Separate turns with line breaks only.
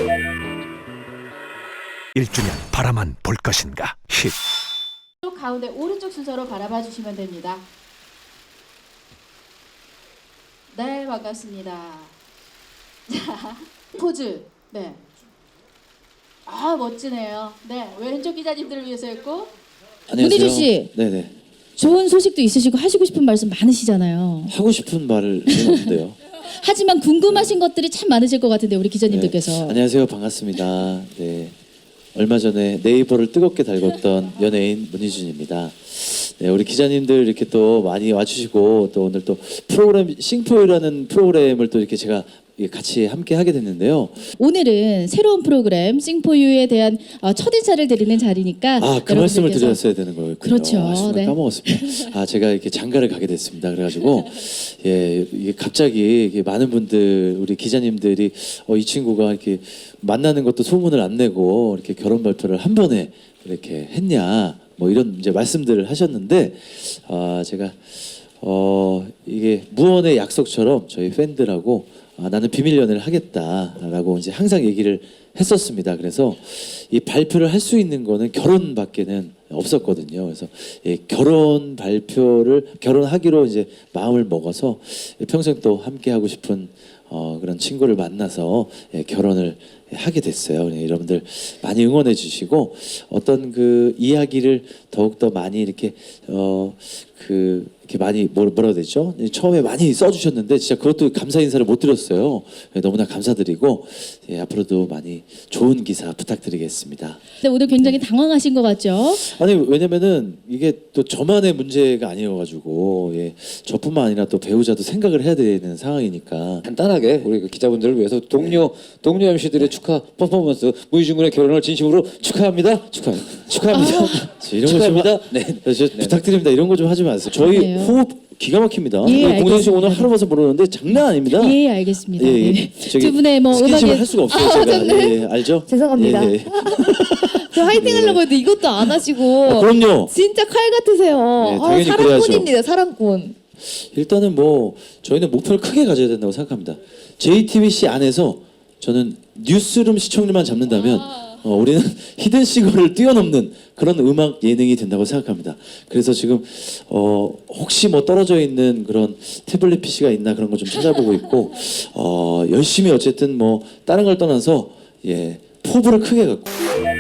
1주년 바라만 볼 것인가 힛.
가운데 오른쪽 순서로 바라봐 주시면 됩니다. 네, 반갑습니다. 자, 포즈. 네. 아, 멋지네요. 네, 왼쪽 기자님들을 위해서였고.
안녕하세요.
문희준 씨.
네네.
좋은 소식도 있으시고 하시고 싶은 말씀 많으시잖아요.
하고 싶은 말을 없는데요.
하지만 궁금하신 것들이 참 많으실 것 같은데 우리 기자님들께서.
네. 안녕하세요. 반갑습니다. 네. 얼마 전에 네이버를 뜨겁게 달궜던 연예인 문희준입니다. 네, 우리 기자님들 이렇게 또 많이 와주시고 또 오늘 또 프로그램 싱포유라는 프로그램을 또 이렇게 제가 같이 함께 하게 됐는데요.
오늘은 새로운 프로그램 싱포유에 대한 첫 인사를 드리는 자리니까
그 말씀을 드렸어야 되는 거였군요.
그렇죠.
정말
네.
까먹었습니다. 제가 이렇게 장가를 가게 됐습니다. 그래가지고 이게 갑자기 이게 많은 분들 우리 기자님들이 이 친구가 이렇게 만나는 것도 소문을 안 내고 이렇게 결혼 발표를 한 번에 이렇게 했냐 뭐 이런 이제 말씀들을 하셨는데 제가 이게 무언의 약속처럼 저희 팬들하고 나는 비밀 연애를 하겠다라고 이제 항상 얘기를 했었습니다. 그래서 이 발표를 할 수 있는 거는 결혼밖에는 없었거든요. 그래서 결혼 발표를 결혼하기로 이제 마음을 먹어서 평생 또 함께 하고 싶은 그런 친구를 만나서 결혼을 하게 됐어요. 여러분들 많이 응원해 주시고 어떤 그 이야기를 더욱 더 많이 이렇게 이렇게 많이 뭐라 해야 되죠? 처음에 많이 써주셨는데 진짜 그것도 감사 인사를 못 드렸어요. 너무나 감사드리고 앞으로도 많이 좋은 기사 부탁드리겠습니다.
근데 오늘 굉장히 당황하신 것 같죠?
아니 왜냐면은 이게 또 저만의 문제가 아니어가지고 저뿐만 아니라 또 배우자도 생각을 해야 되는 상황이니까
간단하게 우리 그 기자분들을 위해서 동료 MC들의 축하 퍼포먼스 문희준 군의 결혼을 진심으로 축하합니다. 축하합니다.
이런 거 좀
축하합니다. 네.
부탁드립니다. 이런 거 좀 하지 마세요. 저희
그래요?
호흡 기가 막힙니다.
예,
공선 씨 오늘
알겠습니다.
하루 봐서 모르는데 장난 아닙니다.
예, 알겠습니다.
예, 예.
네.
저기
두 분의 뭐
스킨십을
음악에
할 수가 없어요. 제가 예, 알죠?
죄송합니다.
예, 예.
저 화이팅 하려고 했는데 이것도 안 하시고
그럼요.
진짜 칼 같으세요.
네, 당연히
사랑꾼입니다. 사랑꾼.
일단은 뭐 저희는 목표를 크게 가져야 된다고 생각합니다. JTBC 안에서 저는 뉴스룸 시청률만 잡는다면 우리는 히든 시거를 뛰어넘는 그런 음악 예능이 된다고 생각합니다. 그래서 지금 혹시 뭐 떨어져 있는 그런 태블릿 PC가 있나 그런 거 좀 찾아보고 있고 열심히 어쨌든 뭐 다른 걸 떠나서 포부를 크게 갖고